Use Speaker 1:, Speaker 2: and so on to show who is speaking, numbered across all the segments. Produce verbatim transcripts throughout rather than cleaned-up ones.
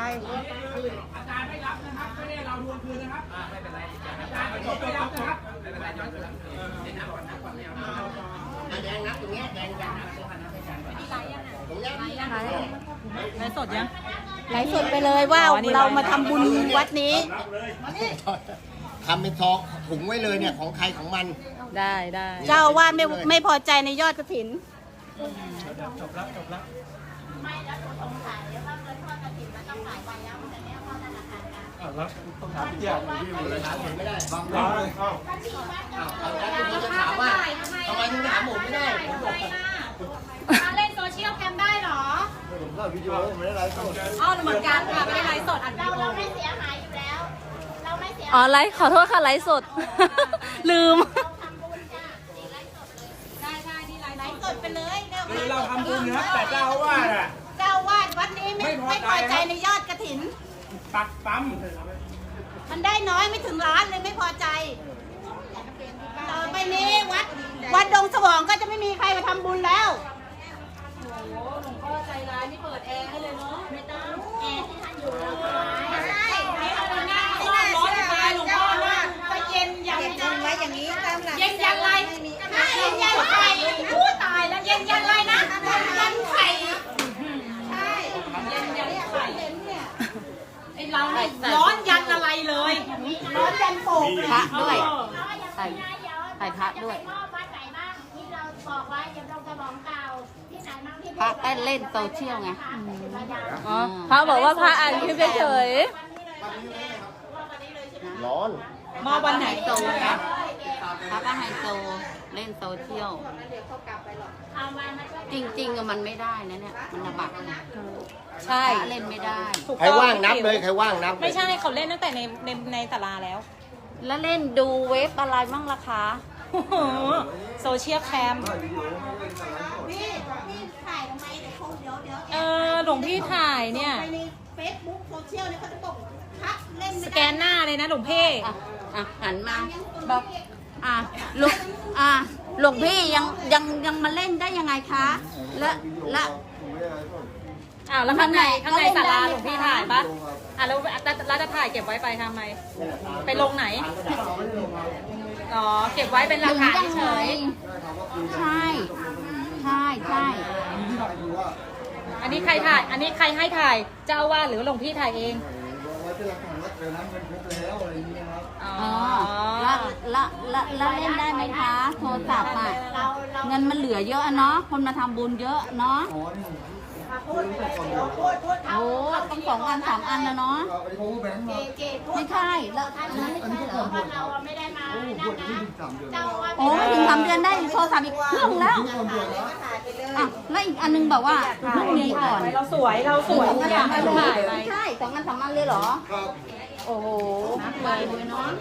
Speaker 1: อาจารย์ไม่รับนะครับไม่ได้เราทวงคืนนะครับไม่เป็นไรอาจารย์ไม่รับนะครับไม่เป็นไรย้อนคืนเดี๋ยวนับก่อนนับก่อนไม่เอาแดงนับตรงนี้แดงยังนับตรงนี้ไลฟ์สดยัง
Speaker 2: ไลฟ์สดไปเลยว่าเรามาทำบุญวัดนี้
Speaker 3: ทำเป็นทองถุงไว้เลยเนี่ยของใครของมัน
Speaker 2: ได้ได้เจ้าอาวาสไม่ไม่พอใจในยอดกฐิน
Speaker 1: จบแล้วจบแล้ว
Speaker 4: ไม่แล้วสงสัยว่าเงินทอดกฐินมันต้องหลายวันแล้วมันจะเนี่ยเข้าธนาคารกัน
Speaker 1: อ่าแล้วต้องถามพี่เจ้าพี่หมดเลยถามผมไม่ได้บาง
Speaker 3: ร้านเอ้าเอาแล้วคุณจะถามว่าทำไมถึงถามผมไม่ได้ผมบอก
Speaker 4: มาเล่นโซเชียลแคมได้หรอ
Speaker 3: ผมก็วิดีโอผมไม่ได้ไลฟ์สด
Speaker 4: อ๋อเหมือนกันค่ะไม่ได้ไลฟ์สดอัดเราเราไม่เสียหายอยู่แล้วเราไม่เสีย
Speaker 2: อ๋อไลฟ์ขอโทษค่ะไลฟ์สดลืม
Speaker 4: สดไปเลย
Speaker 1: คือเราทำบุญนะครับแต่เจ้าอาวาสอ่ะ
Speaker 4: เจ้าอาวาสวัดนี้ไม่ไม่พอใจในยอดกฐิน
Speaker 1: ปักปั๊ม
Speaker 4: มันได้น้อยไม่ถึงล้านเลยไม่พอใจต่อไปนี้วัดวัดดงสว่างก็จะไม่มีใครมาทำบุญแล้วโอ้โหหลวงพ่อใจร้ายไม่เปิดแอร์ให้เลยเนาะไม่ต้องแอร์ที่ท่านอยู่แล้วไม่ใช่ไม่เอาหน้าร้อนตายหลวงพ่อว่าก็เย็นอย่างนี้ไว้อย่างนี้ตามหลักเย็นยันไรเย็นยันไข่พูดตายแล้วเย็นยันไรนะยันไข่ใช่เย็นยันไข่ไอเราเนี่ยร้อนยันอะไรเลยร้อนยันโป่ง
Speaker 2: พระด้วยใส่ใส่พระด้วยพระเต้นเล่นโซเชียลไงอ๋อพระบอกว่าพระอ่านคลิปเฉย
Speaker 3: ร้อน
Speaker 2: มาวันไหนโตนะพระก็ไฮโซเล่นโซเชียลจริงๆมันไม่ได้นะเนี่ยมันระบาดใช่เล่นไม่ได้
Speaker 3: ใครว่างนับเลยใครว่างนับ
Speaker 2: ไม่ใช่เขาเล่นตั้งแต่ในในในศาลาแล้วแล้วเล่นดูเว็บอะไรบ้างล่ะคะโซเชียลแคม
Speaker 4: พี่พี่ถ่ายทำไมเดี๋ยวเขาเดี๋ยวเดี๋ยว
Speaker 2: เออหลวงพี่ถ่ายเนี่ย
Speaker 4: ในเฟซบุ๊กโซเชียลเนี่ยเขาจะบอกพักเล่น
Speaker 2: สแกนหน้าเลยนะหลวงพี่อ่ะหันมาบอกอ่ะหลวงอ่ะหลวงพี่ยังยังยังมาเล่นได้ยังไงคะและและอ้าวแล้วข้างในข้างในศาลาหลวงพี่ถ่ายปะอ่ะแล้วแล้วจะถ่ายเก็บไว้ไปทำไมไปลงไหนอ๋อเก็บไว้เป็นหลักฐานเฉยใช่ใช่ใช่อันนี้ใครถ่ายอันนี้ใครให้ถ่ายเจ้าว่าหรือหลวงพี่ถ่ายเองอ๋อแล้วแล้วแล้วเล่นได้ไหมคะโทรศัพท์อ่ะเงินมันเหลือเยอะเนาะคนมาทำบุญเยอะเนาะโอ้ต้องสองอันสามอันนะเนาะไม่ใช่แล้วอันนั้นไม่ใช่เหรอเราไม่ได้มาโอ้ถึงสามเดือนได้โทรศัพท์อีกเครื่องแล้วอ่ะแล้วอีกอันนึงบอกว่าพรุ่งนี้ก่อนเราสวยเราสวยอยากให้ถ่ายไม่ใช่สองอันสองอันเลยเหรอโอ้โหนักเลยเนาะ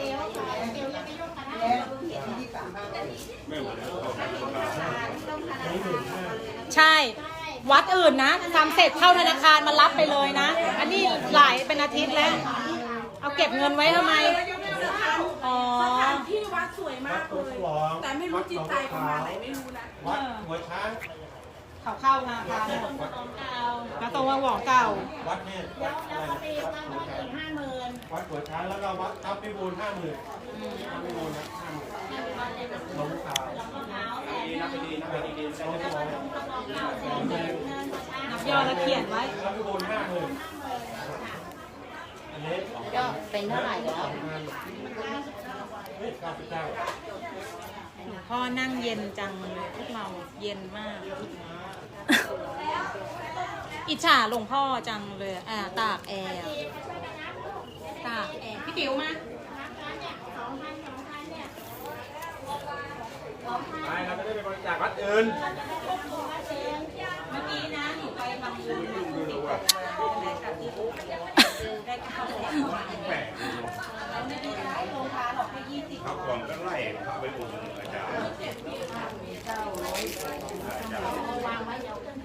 Speaker 2: ใช่วัดอื่นนะทำเสร็จเข้าธนาคารมารับไปเลยนะอันนี้หลายเป็นอาทิตย์แล้วเอาเก็บเงินไว้ทำไมอ๋อ
Speaker 5: สถานที่วัดสวยมากเลยแต่ไม่รู้จิตใจเขามาไหนไม่รู้นะ
Speaker 1: วัดหัวช้าง
Speaker 2: เขาเข้ามาพาแล้วตรงว่าหวองเก่า
Speaker 1: วัดเนี่ยแล้วแล้วก็ตีวัดหัวช้างห้าหมื่นวัดหัวช้างแล้วก็วัดทับพิบูลห้าหมื่นทับพิบูลนะห้าหมื่นลงขาวดีนับไปดีนับไปดีดีใช้ได้พอ
Speaker 2: นับยอดแล้วเขียนไว้
Speaker 1: ทับพิบูลห้าหมื่นอันนี้
Speaker 2: ก็เป็นเท่าไหร่แล้วพ่อนั่งเย็นจังพวกเราเย็นมากอิจฉาหลวงพ่อจังเลยอ่าตากแอร์ตากแอร์พี่ติ๋วมา
Speaker 1: ไปเราจะได้ไปบริจาควัดอื่น
Speaker 2: เมื่อกี้นะหนูไปทำบุญได้ข้าวแปลกเราไม่ได้ใช้โรงทานหรอกแค่ยี่สิบ
Speaker 1: ข้าวกล่องก็ไล่พาไปอุดหนุนอาจารย์
Speaker 2: วางไว้เดี๋ยว